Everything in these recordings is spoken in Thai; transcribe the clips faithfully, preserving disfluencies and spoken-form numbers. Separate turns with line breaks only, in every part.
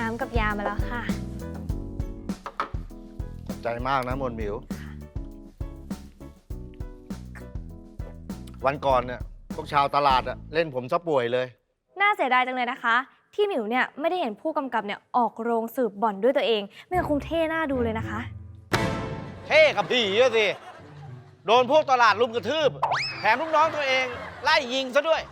น้ำกับยามาแล้วค่ะ
ขอบใจมากนะมนหมิว วันก่อนเนี่ยพวกชาวตลาดอะเล่นผมซะป่วยเลย
น่าเสียดายจังเลยนะคะ ที่หมิวเนี่ยไม่ได้เห็นผู้กำกับเนี่ยออกโรงสืบบ่อนด้วยตัวเองไม่งั้นคงเท่หน้าดูเลยนะคะ
เท่กับผีอะสิ โดนพวกตลาดลุมกระทืบ แถมลูกน้องตัวเองไล่ยิงซะด้วย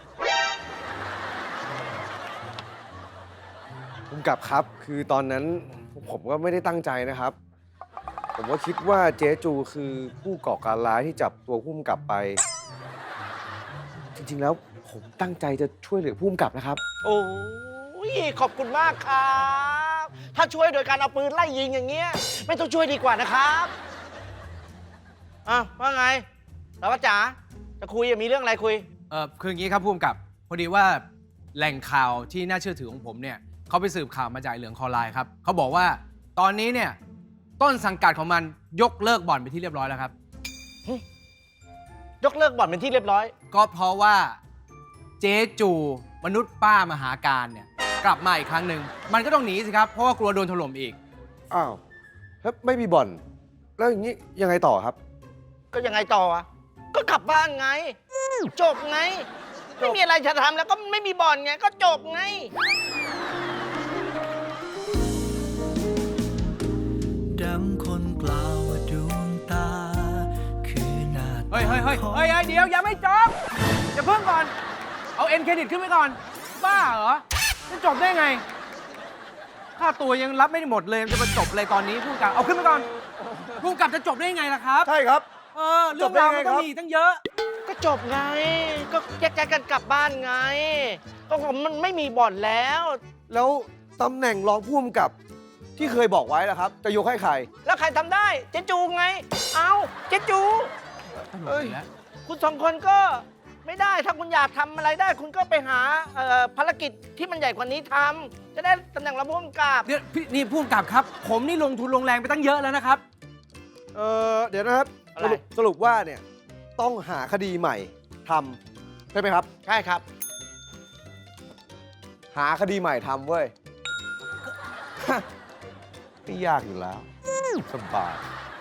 ภูมิกับครับคือตอนนั้นผมก็ไม่ได้ตั้งใจนะครับ ผมก็คิดว่าเจ๊จูคือผู้ก่อการร้ายที่จับตัวผู้กำกับไป จริงๆแล้วผมตั้งใจจะช่วยเหลือผู้กำกับนะครับ
โอ้ยขอบคุณมากครับ ถ้าช่วยโดยการเอาปืนไล่ยิงอย่างเงี้ยไม่ต้องช่วยดีกว่านะครับอ่ะว่าไงสารวัตรจ๋าจะคุยมีเรื่องอะไรคุย
เออคืออย่างนี้ครับผู้กำกับ พอดีว่าแหล่งข่าวที่น่าเชื่อถือของผมเนี่ยเขาไปสืบข่าวมาจากเหลืองคอไลน์ครับเขาบอกว่าตอนนี้เนี่ยต้นสังกัดของมันยกเลิกบ่อนไปที่เรียบร้อยแล้วครับ
ยกเลิกบ่อนเป็นที่เรียบร้อย
ก็เพราะว่าเจ๊จูมนุษย์ป้ามหาการเนี่ยกลับมาอีกครั้งหนึ่งมันก็ต้องหนีสิครับเพราะว่ากลัวโดนถล่มอีก
อ้าวแล้วไม่มีบ่อน แล้วอย่างนี้ยังไงต่อครับ
ก็ยังไงต่ออะก็กลับบ้านไง จบไง ไม่มีอะไรจะทำแล้วก็ไม่มีบ่อนไง ก็จบไง
ดังคนกล่าวว่าดวงตา คือหน้าตา
เฮ้ยเฮ้ยเฮ้ยเฮ้ยเฮ้ยเดี๋ยวยังไม่จบจะเพิ่งก่อน เอาเอ็นเครดิตขึ้นไปก่อน บ้าเหรอจะจบได้ไง ค่าตัวยังรับไม่ได้หมดเลยจะมาจบอะไรตอนนี้ผู้กำกับเอาขึ้นไปก่อนผู้กำกับจะจบได้ยังไงล่ะครับ
ใช่ครับ
เออเรื่องราวมันต้องมีตั้งเยอะ
ก็จบไง ก็แยกย้ายกันกลับบ้านไง ก็มันไม่มีบ่อนแล้ว
แล้วตำแหน่งรองผู้กำกับที่เคยบอกไว้ล่ะครับ จะยกให้ใคร
แล้วใครทำได้ เจ๊จูไง เอาเจ๊จู
เอ้ย
คุณสองคนก็ไม่ได้ ถ้าคุณอยากทำอะไรได้ คุณก็ไปหาเอ่อภารกิจที่มันใหญ่กว่านี้ทำจะได้ตำแหน่งรองผู้กำกับ
เดี๋ยวพี่นี่ผู้กำกับครับ ผมนี่ลงทุนลงแรงไปตั้งเยอะแล้วนะครับ
เออเดี๋ยวนะครับ
อะไร
สรุปสรุปว่าเนี่ยต้องหาคดีใหม่ทำใช่ไหมครับ
ใช่ครับ
หาคดีใหม่ทำเว้ย ไม่ยากอยู่แล้ว สบาย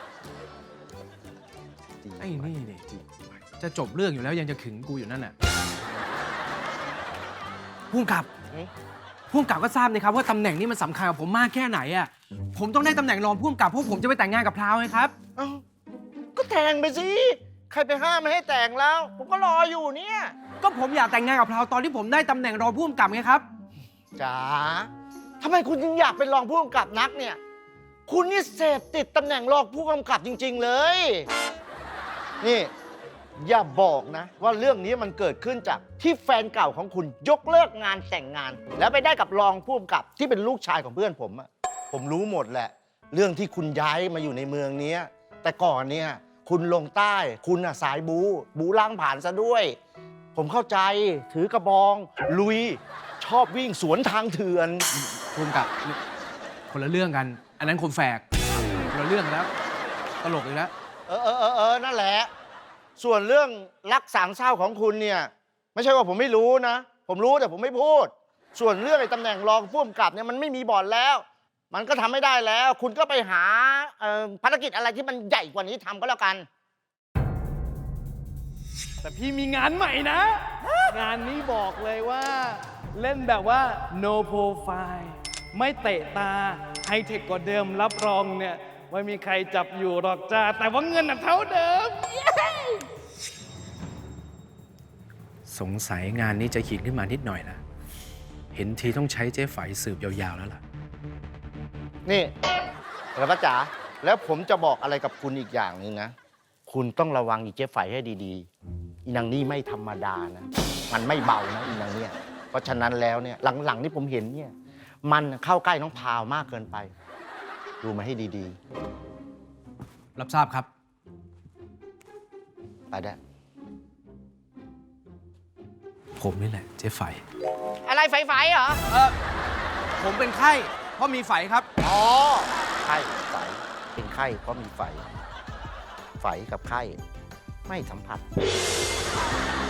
ไอ้นี่เนี่ยจะจบเรื่องอยู่แล้วยังจะขึงกูอยู่นั่นน่ะผู้กำกับ
เอ๊ะ
ผู้กำกับก็ทราบนะครับว่าตำแหน่งนี้มันสำคัญกับผมมากแค่ไหนอ่ะผมต้องได้ตำแหน่งรองผู้กำกับเพราะผมจะไปแต่งงานกับพราวไงครับ
เอ้าก็แต่งไปสิ ใครไปห้ามไม่ให้แต่งแล้ว ผมก็รออยู่เนี่ย
ก็ผมอยากแต่งงานกับพราวตอนที่ผมได้ตำแหน่งรองผู้กำกับไงครับ
จ๋าทำไมคุณจึงอยากเป็นรองผู้กำกับนักเนี่ย คุณนี่เสพติดตำแหน่งรองผู้กำกับจริง ๆ เลย นี่ อย่าบอกนะ ว่าเรื่องนี้มันเกิดขึ้นจากที่แฟนเก่าของคุณยกเลิกงานแต่งงาน แล้วไปได้กับรองผู้กำกับที่เป็นลูกชายของเพื่อนผมอะผมรู้หมดแหละ เรื่องที่คุณย้ายมาอยู่ในเมืองนี้แต่ก่อนเนี่ยคุณลงใต้ คุณอะสายบู บูล้างผ่านซะด้วย ผมเข้าใจถือกระบอง ลุย ชอบวิ่งสวนทางเถื่อน
ผู้กำกับคนละเรื่องกัน อันนั้นคนแฝกคนละเรื่องกันแล้วตลกอีกแล้ว
เออเออเออเออนั่นแหละ ส่วนเรื่องรักสามเศร้าของคุณเนี่ย ไม่ใช่ว่าผมไม่รู้นะ ผมรู้แต่ผมไม่พูด ส่วนเรื่องไอ้ตำแหน่งรองผู้กำกับเนี่ยมันไม่มีบ่อนแล้ว มันก็ทำไม่ได้แล้ว คุณก็ไปหาเอ่อภารกิจอะไรที่มันใหญ่กว่านี้ทำก็แล้วกัน
แต่พี่มีงานใหม่นะ งานนี้บอกเลยว่าเล่นแบบว่า no profile ไม่เตะตาไฮเทคกว่าเดิมรับรองเนี่ยไม่มีใครจับอยู่หรอกจ้าแต่ว่าเงินน่ะเท่าเดิม
สงสัยงานนี้จะขีดขึ้นมานิดหน่อยนะเห็นทีต้องใช้เจ๊ไฝสืบยาวๆแล้วล่ะ
นี่ระพัดจ๋าแล้วผมจะบอกอะไรกับคุณอีกอย่างหนึ่งนะ คุณต้องระวังอีเจ๊ไฝให้ดีๆ อีนางนี่ไม่ธรรมดานะ มันไม่เบานะอีนางเนี่ย เพราะฉะนั้นแล้วเนี่ยหลังๆที่ผมเห็นเนี่ย มันเข้าใกล้น้องพาวมากเกินไป ดูมาให้ดี
รับทราบครับ
ๆ ไปได้
ผมนี่แหละเจ๊ไฝ
อะไรไฟๆเหรอ
เออผมเป็นไข้ เพราะมีไฝครับ
อ๋อ ไข้ไฝเป็นไข้เพราะมีไฝ ไฝกับไข้ไม่สัมผัส